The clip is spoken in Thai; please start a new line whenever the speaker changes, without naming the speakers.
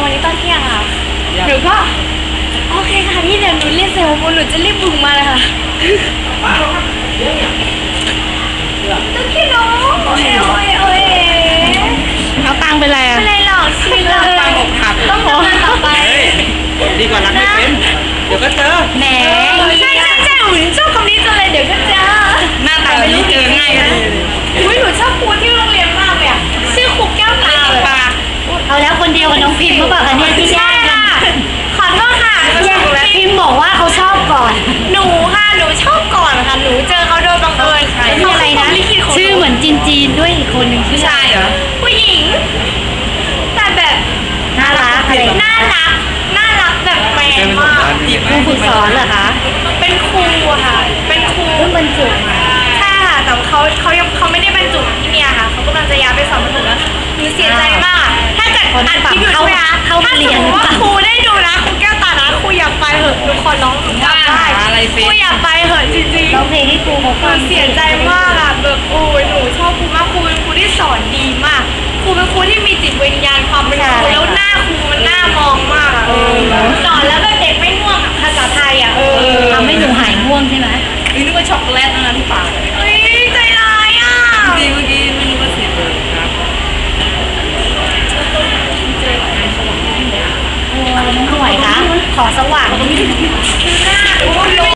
วันนี้ตอนเที่ยงค่ะหนูก็โอเคค่ะพี่เดี๋ยวหนูเรียกเซลล์หนูจะรีบบึงมาเลยค่ะตุ๊กกี้น้องโอ้ย
เอาตังไปแล้ว
ไม่เลยหรอกชิลเลยต้องทำงานต่อไป
ดีกว่ารักไม่เป็นเดี๋ยวก็เจอ
แหมใช่หนูชอบคำนี้จังเลยเดี๋ยวก็เจอ
หน้าตาแบบนี้เจอง่ายกันเลย
อุ้ยหนูชอบครูที่โรงเรียนมากเลยอ่ะชื่อครูแก้วตาเลย
เอาแล้วคนเดียวกับน้องพิมพ์เมื่อก่อนเนี่ยที่แย่งกัน
ขอโทษค่ะ
พิมพ์บอกว่าเขาชอบก่อน
หนูชอบก่อนค่ะหนูเจอเขาโดยบังเอิญ
เขาอะไรนะชื่อเหมือนจีนด้วยอีกคนหนึ่งชื่ออะไรเหรอ
ผู้หญิงแต่แบบ
น่ารักอะไร
น่ารักแบบแมนมาก
ครูฝึกสอนเหรอคะ
เป็นครูค่ะเป็นครู
เพิ่งบรรจุ
ใช่ค่ะแต่เขาไม่ได้บรรจุที่เนี่ยค่ะเขากำลังจะย้ายไปสอนประถมแล้วหนูเสียใจมากถ้าเกิดอัดคลิปอยู่ใช่ไหมคะถ้าสมมติว่าครูได้ดูนะครูแก้วตานะครูอยากไปเหอะหนูขอร้องหนูอยากไปครูอยากไปเหอะจริงๆ
ร้องเพลงให้ครูเขาฟัง
เสียใจมากอะแบบโอ้ยหนูชอบครูมากครูเป็นครูที่สอนดีมากครูเป็นครูที่มีจิตวิญญาณความเป็นครูแล้วหน้าครูมันน่ามองมากอะสอนแล้วแบบเด็กไม่ง่วงอะภาษาไทยอะ
ทำให้หนูหายง่วงใช่ไหม
นึกว่าช็อกโกแลตนะที่ปาก
เฮ้ยใจร้ายอะ
เมื่อกี้ไม่รู้ว่าเสียงเลยครับ
น้องหน่วยคะขอสว่าง